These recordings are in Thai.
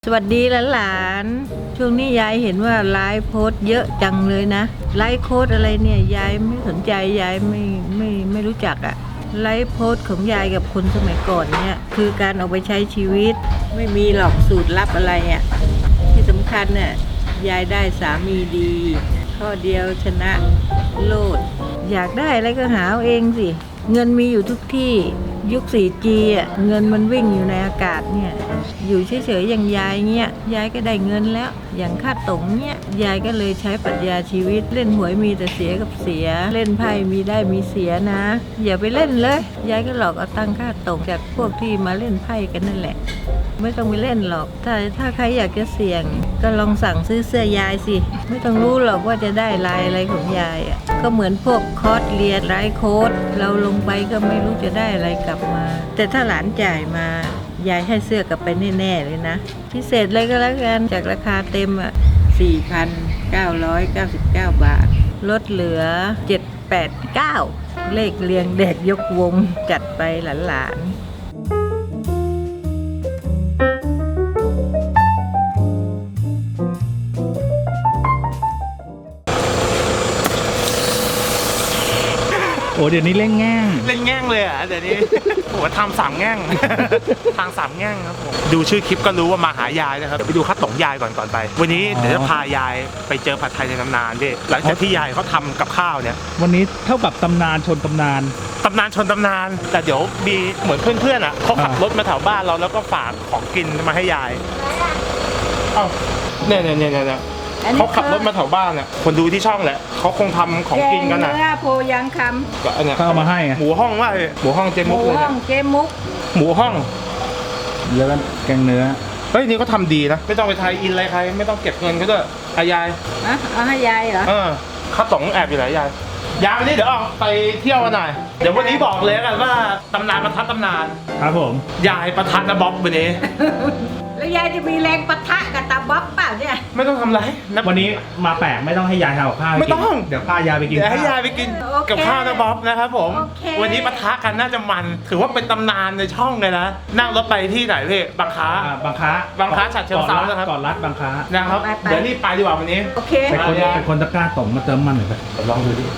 สวัสดีหลานๆช่วงนี้ยายเห็นว่าไลฟ์โพสต์เยอะจังเลยนะไลฟ์โค้ดอะไรเนี่ยยายไม่สนใจยายไม่รู้จักอะไลฟ์โพสต์ของยายกับคนสมัยก่อนเนี่ยคือการเอาไปใช้ชีวิตไม่มีหรอกสูตรลับอะไรอะที่สำคัญเนี่ยยายได้สามีดีข้อเดียวชนะโลดอยากได้อะไรก็หาเอาเองสิเงินมีอยู่ทุกที่ยุค 4G อ่ะเงินมันวิ่งอยู่ในอากาศเนี่ยอยู่เฉยๆอย่างยายเงี้ยยายก็ได้เงินแล้วอย่างค่าตงเนี่ยยายก็เลยใช้ปรัชญาชีวิตเล่นหวยมีแต่เสียกับเสียเล่นไพ่มีได้มีเสียนะอย่าไปเล่นเลยยายก็หลอกเอาตังค่าตงจากพวกที่มาเล่นไพ่กันนั่นแหละไม่ต้องไปเล่นหรอกถ้าใครอยากจะเสี่ยงก็ลองสั่งซื้อเสื้อยายสิไม่ต้องรู้หรอกว่าจะได้ลายอะไรของยายอ่ะก็เหมือนพวกคอร์สเรียนไลฟ์โค้ดเราลงไปก็ไม่รู้จะได้อะไรกลับมาแต่ถ้าหลานจ่ายมายายให้เสื้อกลับไปแน่ๆเลยนะพิเศษเลยก็แล้วกันจากราคาเต็มอ่ะ 4,999 บาทลดเหลือ 789 เลขเรียงเด็กยกวงจัดไปหลานๆโอ้เดี๋ยวนี้เล่นแง่งเล่นแง่งเลยอ่ะเดี๋ยวนี้ โอ้ทำ3 แง่ง ทาง3 แง่งครับผมดูชื่อคลิปก็รู้ว่ามาหายายนะครับเดี๋ยวไปดูข้าวตงยายก่อนไปวันนี้เดี๋ยวจะพายายไปเจอผัดไทยในตำนานพี่หลังจากที่ยายเขาทำกับข้าวเนี่ยวันนี้เท่ากับตำนานชนตำนานตำนานชนตำนานแต่เดี๋ยวมีเหมือนเพื่อนๆอ่ะเขาขับรถมาแถวบ้านเราแล้วก็ฝากของกินมาให้ยายเอ้าเนี่ยเขาขับรถมาแถวบ้านอ่ะคนดูที่ช่องแหละเขาคงทำของกินกันอ่ะเนื้อโพยังคก็อันเนี้ยเขาเอามาให้ไงหมูห้องว่าหมูห้องเจำหมุมูกเลยห้เนี่อย งเจมุกหมูห้องแล้วก็แกงเนื้อเฮ้ยนี่ก็ทำดีนะไม่ต้องไปไทยอินอะไรใครไม่ต้องเก็บเงินก็ด้วยยายนะเอาให้ยายเหรอข้าวต๋องแอบอยู่ไหนยายวันนี้เดี๋ยวออกไปเที่ยวกันหน่อยเดี๋ยววันนี้บอกเลยกันว่าตำนานประทัดตำนานครับผมยายประทัดนะบ๊อบวันนี้แล้วยายจะมีแรงปะทะกับตาบ๊อบเปล่าเนี่ยไม่ต้องทำไรนะวันนี้มาแปลกไม่ต้องให้ยายทำกับข้าวไม่ต้องเดี๋ยวพายายไปกินเดี๋ยวให้ข้าวยายไปกินกับข้าวนะบ๊อบนะครับผมโอเควันนี้ปะทะกันน่าจะมันถือว่าเป็นตำนานในช่องเลยนะนั่งรถไปที่ไหนพี่บางค้าบางค้าบางค้าฉะเชิงเทรานะครับก่อนรัดบางค้านะครับเดี๋ยวรีบไปดีกว่าวันนี้โอเคเป็นคนตะกร้าต๋งมาเติมมันหน่อยไปลองดูดิ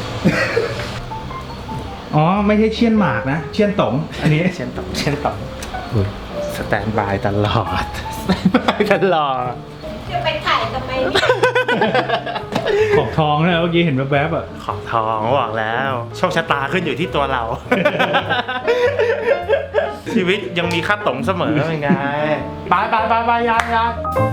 อ๋อไม่ใช่เชี่ยนหมากนะเชี่ยนต๋งอันนี้เช่นต่อสแตนบายตลอดสแตนบายตลอดจะไปถ่ายทำไมเนี่ยขอบทองนะเมื่อกี้เห็นแวบๆอ่ะขอบทองบอกแล้วโชคชะตาขึ้นอยู่ที่ตัวเรา ชีวิตยังมีค่าต๋งเสมอเป็นไงไปยาย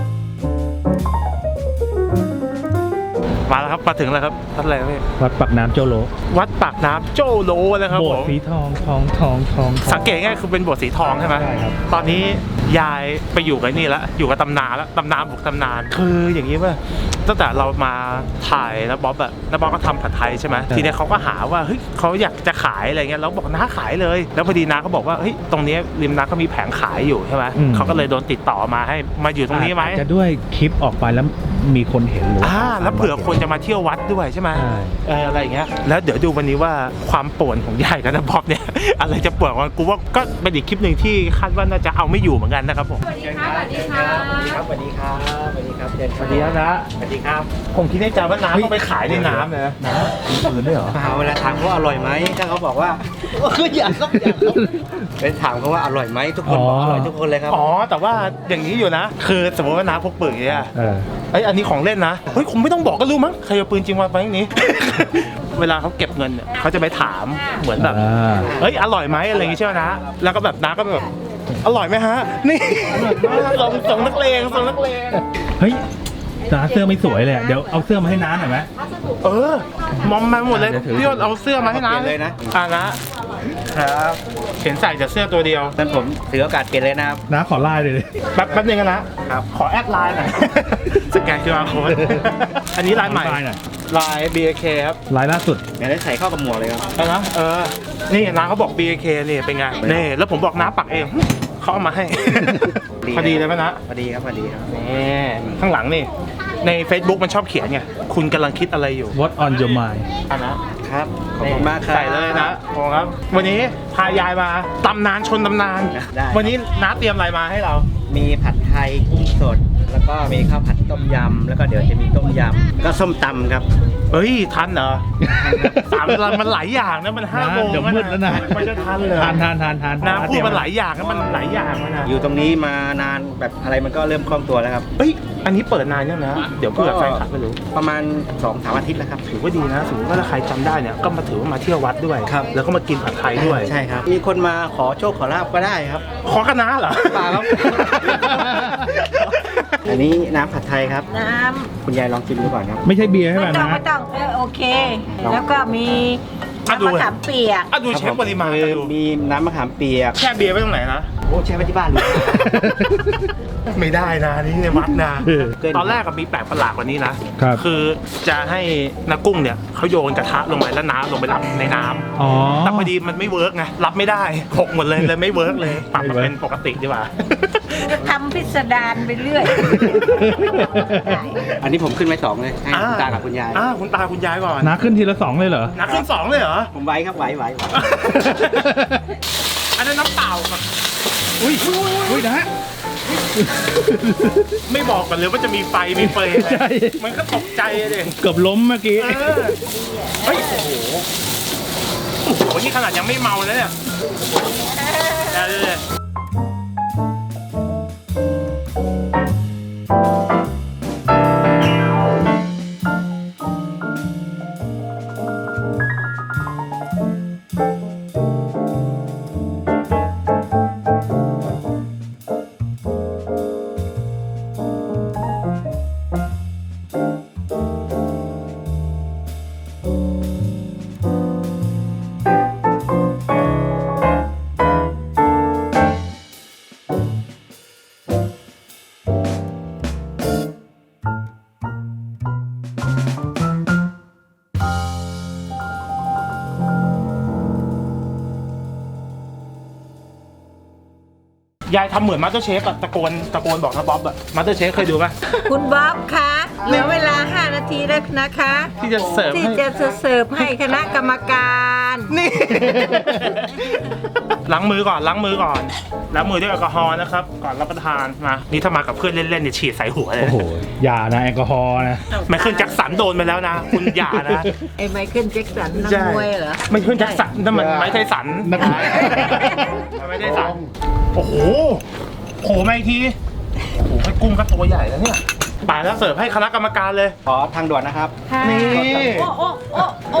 มาแล้วครับมาถึงแล้วครับวัดอะไรพี่วัดปักน้ำโจโลวัดปากน้ำโจโลนะครับโบผสถ์มสีทองสังเกตง่ายคือเป็นโบสถ์สีทองใช่ไหมใช่ครับตอนนี้ยายไปอยู่กับนี่แล้วอยู่กับตำนานแล้วตำนานบุกตำนานคืออย่างนี้ว่าตั้งแต่เรามาถ่ายนะบ๊อบอะนะบ๊อบก็ทำผัดไทยใช่ไหมทีนี้เขาก็หาว่าเฮ้ยเขาอยากจะขายอะไรเงี้ยแล้วบอกน้าขายเลยแล้วพอดีน้าเขาบอกว่าเฮ้ยตรงนี้ริมน้าก็มีแผงขายอยู่ใช่ไหมเขาก็เลยโดนติดต่อมาให้มาอยู่ตรงนี้ไหมอาจจะด้วยคลิปออกไปแล้วมีคนเห็นหรือว่าแล้วเผื่อคนจะมาเที่ยววัดด้วยใช่ไหมใช่อะไรอย่างเงี้ยแล้วเดี๋ยวดูวันนี้ว่าความป่วนของยายกับนะบ๊อบเนี่ย อะไรจะป่วนกว่ากูว่าก็เป็นอีกคลิปหนึ่งที่คาดว่าน่าจะเอาไม่อยู่เหมือนกันนะครับผมสวัสดีครับสวัสดีครับสวัสดีครับสวัสดีครับสวัสดีครับนะสวัสดีครับผมคิดในใจว่าน้ำต้องไปขายในน้ำนะมีปืนด้วยเหรอเวลาถามเขาว่าอร่อยไหมถ้าเขาบอกว่าอยากครับเป็นถามเขาว่าอร่อยไหมทุกคนบอกอร่อยทุกคนเลยครับอ๋อแต่ว่าอย่างนี้อยู่นะ คือสมมติว่าน้าพกปืนอย่างเงี้ย เอ้ยอันนี้ของเล่นนะเฮ้ยคงไม่ต้องบอกก็รู้มั้งใครเอาปืนจริงมาไว้อย่างนี้ เวลาเขาเก็บเงินเนี่ยเขาจะไปถามเหมือนแบบเฮ้ยอร่อยไหมอะไรอย่างงี้ใช่ไหมนะแล้วก็แบบน้าก็แบบอร่อยไหมฮะนี่ ส่งนักเลงเฮ้ยน้าเสื้อไม่สวยเลยอะเดี๋ยวเอาเสื้อมาให้น้าหน่อยไหมมอมมาหมดเลยเดี๋ยวถือพี่ยศเอาเสื้อมาให้น้าเปลี่ยนเลยนะนะครับเห็นใส่แต่เสื้อตัวเดียวนั้นผมถือโอกาสเปลี่ยนเลยนะครับน้าขอไล่เลยแป๊บนึงนะครับ ขอแอดไลน์หน่อย สแกน QR code อันนี้ไลน์ใหม่ไลน์หน่อยไลน์ BAK ครับลายล่าสุดเดี๋ยวได้ใส่เข้ากับหมวกเลยครับเอานะนี่น้าเขาบอก BAK นี่เป็นไงนี่แล้วผมบอกน้าปักเองเขาเอามาให้ พอดีเลยไหมนะพอดีครับพอดีครับนี่ข้างหลังนี่ใน Facebook มันชอบเขียนไงคุณกำลังคิดอะไรอยู่ What on your mind อันนะครับขอบคุณมากครับใส่เลยนะโอ้ครับ วันนี้พายายมาตำนานชนตำนานได้วันนี้น้าเตรียมอะไรมาให้เรามีผัดไทไทยกุ้งสด แล้วก็มีข้าวผัดต้มยำแล้วก็เดี๋ยวจะมีต้มยำก็ส้มตำครับเฮ้ยทันเหรอสามวันมันหลายอย่างนะมัน5 โมงเดี๋ยวมืดแล้วนะมันจะทันเลยทานนะพูดมันหลายอย่างนะมันหลายอย่างนะอยู่ตรงนี้มานานแบบอะไรมันก็เริ่มคล่องตัวแล้วครับเฮ้ยอันนี้เปิดนานยังนะเดี๋ยวเพื่อแฟนคลับไม่รู้ประมาณ 2-3 อาทิตย์แล้วครับถือว่าดีนะสมมติว่าถ้าใครจำได้เนี่ยก็มาถือว่ามาเที่ยววัดด้วยครับแล้วก็มากินผัดไทยด้วยใช่ครับ มีคนมาขอโชคขอลาบก็ได้ครับขอคณะเหรอเปล่าครับ อันนี้น้ำผัดไทยครับน้คุณยายลองชิมดูก่อนครับไม่ใช่เบียร์ำใช่ไหมไม่ต้องนะไม่ต้องโอเค แล้วก็มีอ่ะดูน้ำมะขามเปียกอ่ะดูเช็คปริมาณคือดูมีน้ำมะขามเปียกแช่เบียร์ไว้ตรงไหนนะโอ้แช่ไว้ที่บ้านเลยไม่ได้นะนี่ในวัดนะเออตอนแรกก็มีแปลกประหลาดกว่านี้นะครับ คือจะให้นักกุ้งเนี่ยเขาโยนกระทะลงไปแล้วน้ำลงไปรับในน้ำอ๋อแต่พอดีมันไม่เวิร์กไงรับไม่ได้หกหมดเลยไม่เวิร์กเลยปรับมาเป็นปกติดีกว่าจะทำพิสดารไปเรื่อยอันนี้ผมขึ้นไว้2เลยให้คุณตากับคุณยายคุณตาคุณยายก่อนน้าขึ้นทีละ 2เลยเหรอนักขึ้น2เลยเหรอผมไหวครับไหวอันนั้นน้ำเปล่าครับอุ้ยนะไม่บอกกันเลยว่าจะมีไฟมีเฟยใช่มันก็ตกใจเลยเกือบล้มเมื่อกี้เฮ้ยโอ้โหนี่ขนาดยังไม่เมาแล้วเนี่ยเดี๋ยวยายทำเหมือนมาสเตอร์เชฟอะตะโกนบอกนะบ๊อบอะมาสเตอร์เชฟเคยดูป่ะคุณบ๊อบคะเหลือเวลา 5 นาทีแล้วนะคะที่จะเสิร์ฟที่ให้จะเสิร์ฟให้คณะกรรมการนี่ ล้างมือก่อนล้างมือด้วยแอลกอฮอล์นะครับก่อนรับประทานมานี่ถ้ามากับเพื่อนเล่นๆเนี่ยฉีดใส่หัวเลยโอ้โห อย่านะแอลกอฮอล์นะไมเคิลแจ็คสันโดนไปแล้วนะ คุณอย่านะไอ้ไมเคิลแจ็คสันนักใช่มวยเหรอไมเคิลแจ็คสันนั่นมันไม้ไทสันนักมวยไม่ได้สันโอ้โหโผล่มาอีกทีโอ้โหให้กุ้งก็ตัวใหญ่แล้วเนี่ยป่าแล้วเสิร์ฟให้คณะกรรมการเลยขอทางด่วนนะครับนี่โอ้โอ้โอ้โอ้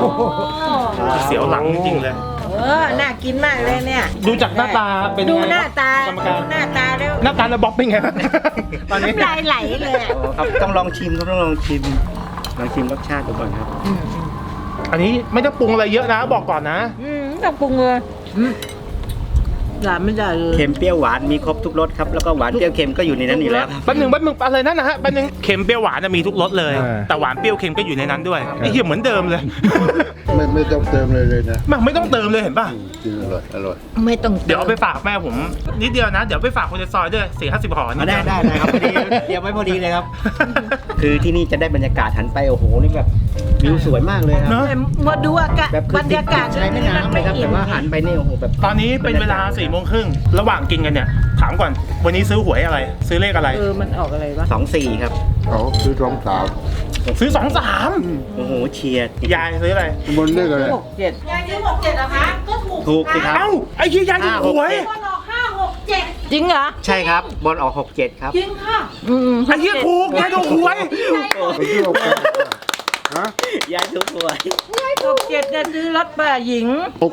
เสียวหลังจริงๆเลยน่ากินมากเลยเนี่ยดูจากหน้าตาเป็นดูไงหน้าตากรรมการดูหน้าตาแล้วหน้าตาแล้วบ๊อบเป็นไง ตอนนี้น้ำลายไหลเลยอะโอ้ครับต้องลองชิมครับต้องลองชิมรสชาติดูก่อนครับอันนี้ไม่ต้องปรุงอะไรเยอะนะบอกก่อนนะต้องปรุงเลยหลานไม่ได้เลยเค็มเปรี้ยวหวานมีครบทุกรสครับแล้วก็หวานเปรี้ยวเค็มก็อยู่ในนั้นอยู่แล้วครับแป๊บหนึ่งอะไรนั่นนะฮะแป๊บหนึงเค็มเปรี้ยวหวานน่ะมีทุกรสเลย แต่หวานเปรี้ยวเค็มก็อยู่ในนั้นด้วยไอ้เหี้ยเหมือนเดิมเลยไม่ต้องเติมเลยนะมันไม่ต้องเติมเลยเห็นป่ะจริงอร่อยไม่ต้องเดี๋ยวเอาไปฝากแม่ผมนิดเดียวนะ เดี๋ยวไปฝากคนในซอยด้วย4-50 ห่อนิได้เยวได้ครับพอดีเตรียมไว้พอดีเลยครับ คือที่นี่จะได้บรรยากาศหันไปโอ้โหนี่แบบวิวสวยมากเลยครับเนอะมาดูอากาศแบบคืบรรยากาศใช้แม่น้ำเลยครับแต่ว่าหันไปนี่โอ้โหแบบตอนนี้เป็นเวลา4 โมงครึ่งระหว่างกินกันเนี่ยถามก่อนวันนี้ซื้อหวยอะไร ซื้อเลขอะไรมันออกอะไรวะ 24ครับเขาซื้อรองเท้าซื้อ2-3 โอ้โหเชียร์ยายซื้ออะไรบนเรื่องอะไร 6-7ยายซื้อ6-7เหรอคะก็ถูกถูกสิครับเอ้าไอ้เหี้ยยายถูกหวยบอลออก5-6-7จริงเหรอใช่ครับบอลออก67ครับจริงค่ะไอ้เหี้ยถูกยายถูกหวยไปเที่ยวกันฮะยายถูกหวย 6-7จะซื้อรถป้าหญิง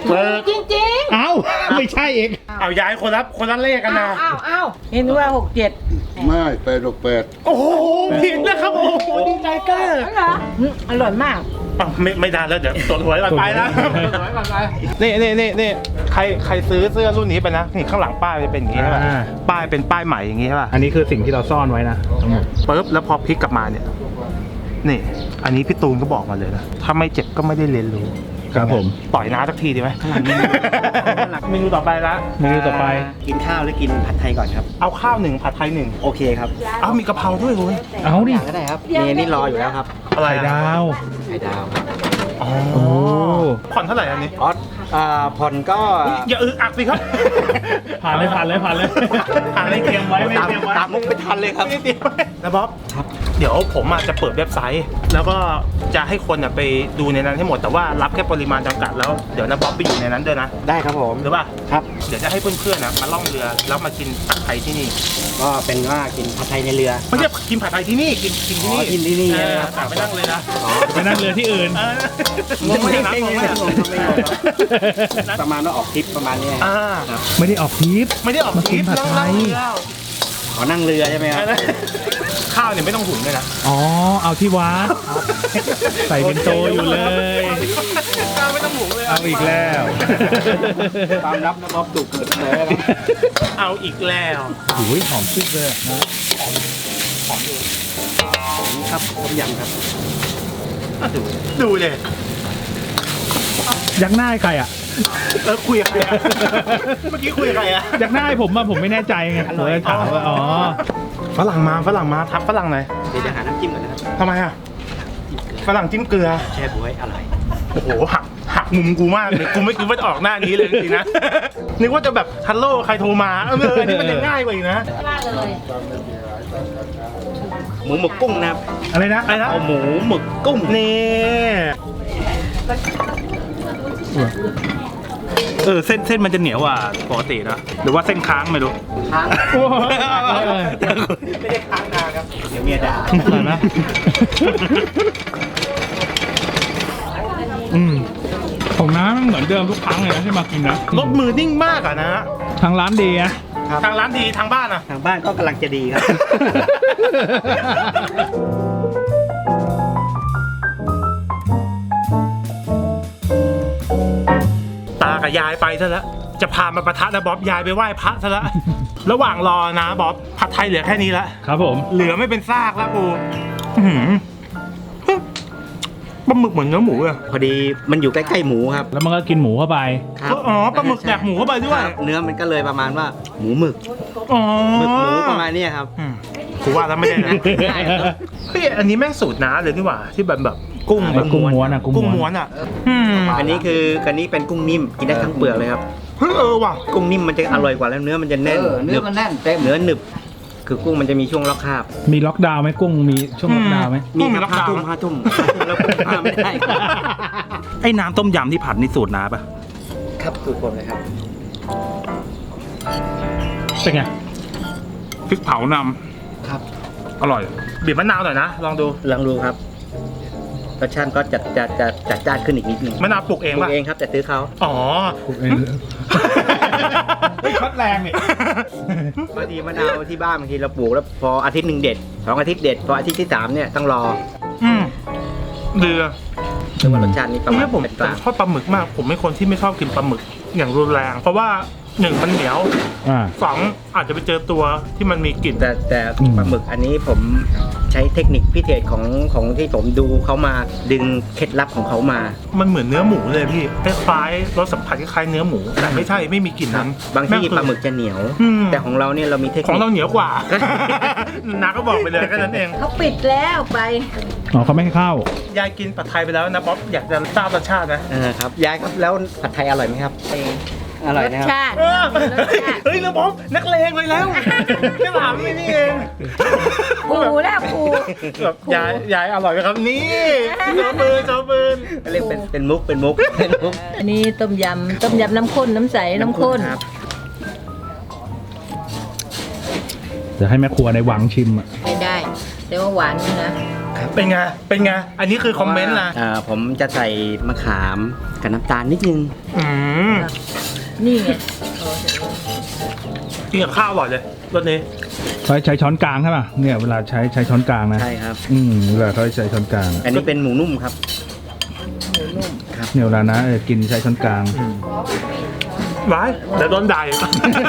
68 จริงเอ้า ไม่ใช่เองเอายายคนละเลขกันนะอ้าวเห็นว่า6-7 ไม่868 โอ้โหผิดนะครับโอ้โหดีใจเก้อเหรออร่อยมากอ้าวไม่ได้แล้วเดี๋ยวตรวจหวยก่อนไปนะนี่ใครซื้อเสื้อรุ่นนี้ไปนะนี่ข้างหลังป้ายจะเป็นอย่างงี้ใช่ป่ะป้ายเป็นป้ายใหม่อย่างงี้ใช่ป่ะอันนี้คือสิ่งที่เราซ่อนไว้นะทั้งหมดปึ๊บแล้วพอพลิกกลับมาเนี่ยนี่อันนี้พี่ตูนก็บอกมาเลยนะถ้าไม่เจ็บก็ไม่ได้เรียนรู้ครับผมต่อยน้าสักทีดีไหมเมนูต่อไปละเมนูต่อไปกินข้าวหรือกินผัดไทยก่อนครับเอาข้าว1ผัดไทย1 โอเคครับเอามีกะเพราด้วยคุณเอาดิอย่างก็ได้ครับนี่รออยู่แล้วครับอะไรไข่ดาวไข่ดาวอ๋อโอ้ผ่อนเท่าไหร่อันนี้อ๋อผ่อนก็อย่าอึกอักสิครับผ่านเลยผ่านเลยผ่านเลยผ่านเลยเตรียมไว้ไม่ตามเตรียมไว้ตามมุกไม่ทันเลยครับไม่ได้เตรียมไว้นะบ๊อบครับเดี๋ยวผมอาจจะเปิดเว็บไซต์ แล้วก็จะให้คนไปดูในนั้นให้หมดแต่ว่ารับแค่ปริมาณจำกัดแล้วเดี๋ยวนะบ๊อบไปอยู่ในนั้นด้วยนะได้ครับผมหรือป่ะครับเดี๋ยวจะให้เพื่อนๆมาล่องเรือแล้วมากินผัดไทยที่นี่ก็เป็นว่ากินผัดไทยในเรือไม่ใช่กินผัดไทยที่นี่กินที่นี่อ๋อกินที่นี่แต่ไม่นั่งเลยนะไปนั่งเรือที่อื่นงงไหมนะงงไหมประมาณว่าออกทริปประมาณนี้อ่าไม่ได้ออกทริปไม่ได้ออกมากินผัดไทยขอนั่งเรือใช่ไหมครับข้าวเนี่ยไม่ต้องหุงเลยนะอ๋อเอาที่วัดใส่เป็นโตอยู่เลยข้าวไม่ต้องหุงเลยเอาอีกแล้วตามรับนะบ๊อบถูกเกิดเลยนะเอาอีกแล้วโอ้ยหอมชุดเลยนะครับต้มยำครับดูเลยยักหน้าให้ใครอ่ะคุยกับใครอะเมื่อกี้คุยกับใครอะยักหน้าให้ผมอะผมไม่แน่ใจไงผมเลยถามว่าอ๋อฝรั่งมาทักฝรั่งหน่อยเดี๋ยวจะหาน้ำจิ้มก่อนนะครับทำไมอะฝรั่งจิ้มเกลือแช่บ๊วยอร่อยโอ้โหหักมุมกูมากเลยกูไม่คิดว่าจะออกหน้านี้เลยจริงๆนะ นึกว่าจะแบบฮัลโหลใครโทรมาอันนี้มันยังง่ายกว่าอีกนะหมูหมึกกุ้งนะครับอะไรนะอะไรนะเอาหมูหมึกกุ้งนี่เส้นมันจะเหนียวกว่าปกตินะหรือว่าเส้นค้างไม่รู้ค้างโอ้ยไม่ได้ค้างนานครับ เดี๋ยวเมียด่าอร่อยไหมของน้ำมันเหมือนเดิมทุกครั้งเลยนะที่มากินนะรสมือนิ่งมากอะนะทางร้านดีนะทางร้านดีทางบ้านอะทางบ้านก็กำลังจะดีครับตากับยายไปซะแล้วจะพามาปะทะนะบ๊อบยายไปไหว้พระซะแล้ว ระหว่างรอนะบ๊อบผัดไทยเหลือแค่นี้ละครับผมเหลือไม่เป็นซากแล้วกูอื้อหือปลาหมึกเหมือนเนื้อหมูอะพอดีมันอยู่ใกล้ๆหมูครับแล้วมันก็กินหมูเข้าไปครับอ๋อปลาหมึกแดกหมูเข้าไปด้วยครับเนื้อมันก็เลยประมาณว่าหมูหมึกอ๋อหมึกหมูประมาณเนี้ยครับอืมกูว่าแล้วไม่ได้นะเฮ้ยอันนี้แม่งสูตรน้าเลยนี่หว่าที่แบบกุ้งแบบกุ้งม้วนอะกุ้งม้วนกุ้งม้วนอะอันนี้เป็นกุ้งนิ่มกินได้ทั้งเปลือกเลยครับเฮ้ยว่ะกุ้งนิ่มมันจะอร่อยกว่าแล้วเนื้อมันจะแน่นเนื้อมันแน่นเต็มเนื้อหนึบ คือกุ้งมันจะมีช่วงล็อกคาบมีล็อกดาวน์ไหมกุ้งมีช่วงล็อกดาวน์ไหมกุ้งมีล็อกห้าดาวน์ทุ่มห้าทุ่มแล้วกุ้งห้าไม่ได้ครับไอ้น้ำต้มยำที่ผัดนี่สูตรน้าปะครับสูตรผมเลยครับเป็นไงพริกเผานำครับอร่อยบีบมะนาวหน่อยนะลองดูลองดูครับรสชาติก็จัดจ้านขึ้นอีกนิดนึงมะนาวปลูกเองปลูปะกเองครับแต่ซื้อเขาอ๋อเฮ้ยช็อตแรงนี่บางทีมะนาวที่บ้านบางทีเราปลูกแล้วพออาทิตย์หนึ่งเด็ด2 อาทิตย์เด็ดพออาทิตย์ที่3เนี่ยต้องรอเดือซึ่งว่ารสชาตินี้ประมาณเนี่ยผมเป็นกลางชอบปลาหมึกมาก ผมเป็นคนที่ไม่ชอบกินปลาหมึกอย่างรุนแรง เพราะว่าหนึ่งมันเหนียวอ่าสองอาจจะไปเจอตัวที่มันมีกลิ่นแต่อืมปลาหมึกอันนี้ผมใช้เทคนิคพิเศษของที่ผมดูเขามาดึงเคล็ดลับของเขามามันเหมือนเนื้อหมูเลยพี่คล้ายๆรสสัมผัสคล้ายๆเนื้อหมู แต่ไม่ใช่ไม่มีกลิ่นนั้นบางที่แงคือปลาหมึกจะเหนียวอืมแต่ของเราเนี่ยเรามีเทคของนิคเราเหนียวกว่า นาก็บอกไปเลยแค่นั้นเองเขาปิดแล้วไปอ๋อเขาไม่ให้เข้ายายกินผัดไทยไปแล้วนะป๊อปอยากจะทราบรสชาตินะครับยายครับแล้วผัดไทยอร่อยไหมครับอร่อยนะครับรสชาติเฮ้ยแล้วป๊อปนักเลงเลยแล้วแค่ถามไม่นี่เองปูแล้วปูแบบยายอร่อยไหมครับนี่โจปืนเรียกเป็นมุกเป็นมุกอันนี้ต้มยำน้ำข้นน้ำใสน้ำข้นครับเดี๋ยวให้แม่ครัวในวังชิมอ่ะไม่ได้ แต่ว่าหวานอยู่นะเป็นไงเป็นไงอันนี้คือคอมเมนต์นะผมจะใส่มะขามกับน้ำตาลนิดนึงอืมนี่ไงกินกับข้าวอร่อยเลยรสนี้ใช้ช้อนกลางใช่ป่ะเนี่ยเวลาใช้ช้อนกลางนะใช่ครับเวลาเขาใช้ช้อนกลางอันนี้เป็นหมูนุ่มครับเนี่ยเวลานะกินใช้ช้อนกลางร้ายเดี๋ยวโดนด่าอีก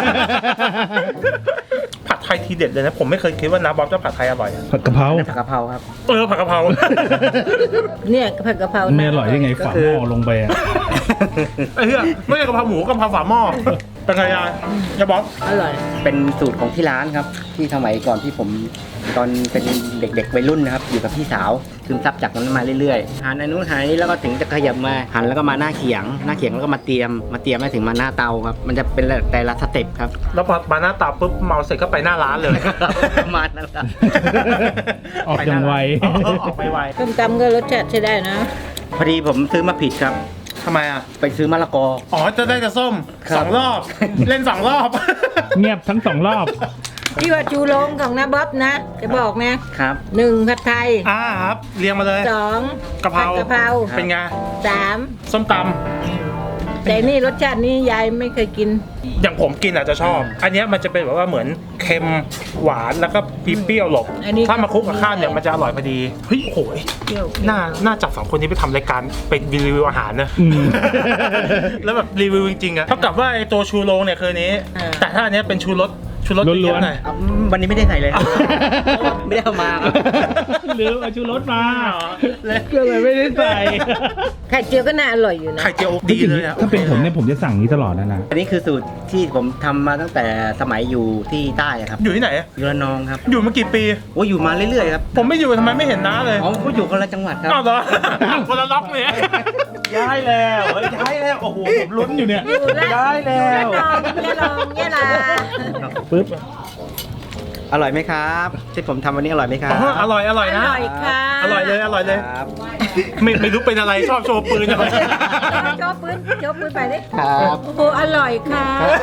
ผัดไทยทีเด็ดเลยนะ ผมไม่เคยคิดว่าน้าบ๊อบจะผัดไทยอร่อยอะผัดกะเพราผัดกะเพราครับผัดกะเพราเนี่ยผัดกะเพราไม่อร่อยได้ไงฝาหม้อลงไปอ่ะไอ้เหี้ยไม่ใช่กะเพราหมูกะเพราฝาหม้อเป็นไงยายบ๊อบอร่อยเป็นสูตรของที่ร้านครับ ที่สมัยก่อนที่ผมตอนเป็นเด็กๆวัยรุ่นนะครับ อยู่กับพี่สาวซึมซับจากนั้นมาเรื่อยๆหั่นอันนู้นหั่นอันนี้แล้วก็ถึงจะขยับมาหั่นแล้วก็มาหน้าเขียงแล้วก็มาเตรียมแล้วถึงมาหน้าเตาครับมันจะเป็นแต่ละสเต็ปครับแล้วพอมาหน้าตาปุ๊บเมาเสร็จก็ไปหน้าร้านเลยประมาณนั้นครับออกอย่างไวออกไปไวต้มตำก็รสชาติใช้ได้นะพอดีผมซื้อมาผิดครับทำไมอ่ะไปซื้อมะละกออ๋อจะได้แต่ส้มครับสองรอบ เล่น2 รอบเงียบทั้ง2 รอบที่ว่าชูโรงของน้าบ๊อบนะ จะบอกนะครับ 1ผัดไทยครับเรียงมาเลย 2 กะเพราผัดกะเพราเป็นไง 3 ส้มตแต่นี่รสชาตินี้ยายไม่เคยกินำอย่างผมกินอาจจะชอบ อันเนี้ยมันจะเป็นแบบว่าเหมือนเค็มหวานแล้วก็เปรี้ยวหลบอันนี้ถ้ามาคลุกกับข้าวเนี่ยมันจะอร่อยพอดีเฮ้ยโหยเปรี้ยวน่าจับ2 คนนี้ไปทำรายการเป็นรีวิวอาหารนะอืมแล้วแบบรีวิวจริงๆอะเท่ากับว่าไอตัวชูโรงเนี่ยคือนี้ แต่ถ้าอันเนี้ยเป็นชูรสล้เยวนๆอะๆหน่อยวันนี้ไม่ได้ใส่เลยครับ ไม่ได้เอามาครับหรือเอาชูรสมาก็เลยไม่ได้ใส่ไข่เจียวก็น่าอร่อยอยู่นะไข่เจียวดีเลยอะถ้าเป็นผมเนี่ยผมจะสั่งนี้ตลอดนะอันนี้คือสูตรที่ผมทำมาตั้งแต่สมัยอยู่ที่ใต้อะครับอยู่ที่ไหนอะอยู่ระนองครับอยู่มากี่ปีโอ้อยู่มาเรื่อยๆครับผมไม่อยู่ทำไมไม่เห็นน้าเลยอ๋อเขาอยู่คนละจังหวัดครับอ้าวเหรอ คนละล็อกเนี่ยย้ายแล้วโอ้โหผมลุ้นอยู่เนี่ยอยู่ละย้ายแล้วยะลองยะลาปึ๊บอร่อยไหมครับ ที่ผมทำวันนี้อร่อยไหมครับอ๋ออร่อยอนะร่อยค่ะอร่อยเลยครับไม่รู้เป็นอะไรชอบโชว์ปืนอะไรโชว์ปืนไปดิครับโอ้โหอร่อยค่ะ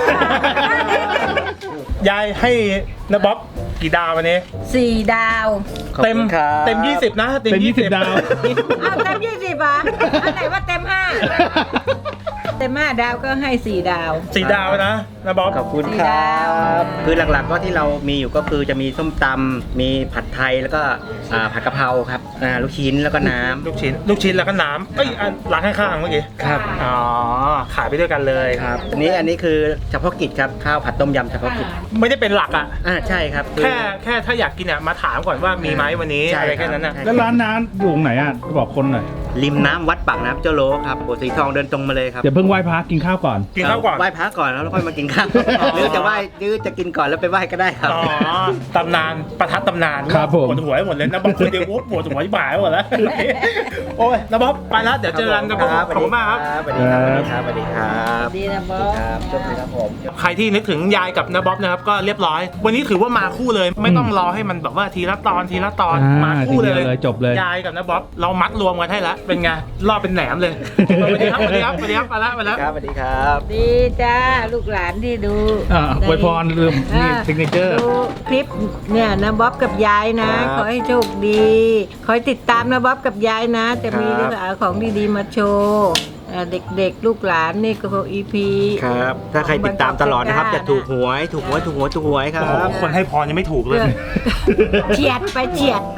ยายให้นะบ๊อบกี่ดาววันนี้ 4 ดาวขอบเต็มคุณครับเต็ม20นะเต็ม20 ดาวเอาเต็ม20อ่ะอันไหนว่าเต็ม 5 เต็ม 5 ดาวก็ให้ 4 ดาว 4 ดาวนะบ๊อบขอบคุณสี่ครัดาวบ คือหลักๆก็ที่เรามีอยู่ก็คือจะมีส้มตำมีผัดไทยแล้วก็ผัดกะเพราครับลูกชิ้นแล้วก็น้ำลูกชิ้นแล้วก็น้ำเอ้ยร้านข้างๆเมื่อกี้ครับอ๋อขายไปด้วยกันเลยครับอันนี้คือเฉพาะกิจครับข้าวผัดต้มยำเฉพาะกิจไม่ได้เป็นหลักอ่ะใช่ครับคือแค่ถ้าอยากกินอ่ะมาถามก่อนว่ามีไหมวันนี้ใช่อะไรครับแค่นั้นน่ะใช่แล้วร้านน้ำอยู่ตรงไหนอ่ะบอกคนหน่อยริมน้ำวัดปากน้ำเจ้าโลครับโบสถ์สีทองเดินตรงมาเลยครับเดี๋ยวเพิ่งไหว้พระกินข้าวก่อนกินข้าวก่อนไหว้พระก่อนแล้วค่อยมากินข้าวหรือจะไหว้หรือจะกินก่อนแล้วไปไหว้ก็ได้ครับอ๋อตำนานประทัดตำนานครับผมปวดหัวไปหมดเลยนะบางคนเดียวปวดหัวที่บ่ายหมดแล้ว โอ้ยนะบ๊อบไปแล้วเดี๋ยวเจอกันนะบ๊อบขอบคุณมากครับสวัสดีครับสวัสดีครับดีนะบอสครับโชคดีครับผมใครที่นึกถึงยายกับนะบ๊อบนะครับก็เรียบร้อย วันนี้ถือว่ามาคู่เลย ไม่ต้องรอให้มันแบบว่าทีละตอนมาคู่เลยทีเดียวเลยจบเลยยายกับนะบ๊อบเรามัดรวมกันให้แล้วเป็นไงรอบเป็นแหนมเลยสวัสดีครับไปแล้วไปแล้วครับสวัสดีครับดีจ้าลูกหลานที่ดูอวยพรลืมนี่ซิกเนเจอร์ดูคลิปเนี่ยนะบ๊อบกับยายนะ ขอให้โชคดี ขอให้ติดตามนะบ๊อบกับยายนะ จะมีเรื่องราวของดีๆมาโชว์เด็กๆ ลูกหลานนี่ก็อีพีครับ ถ้าใครติดตามตลอดนะครับจะถูกหวยครัโอ้โหบคนให้พรยังไม่ถูกเลยเฉียดไป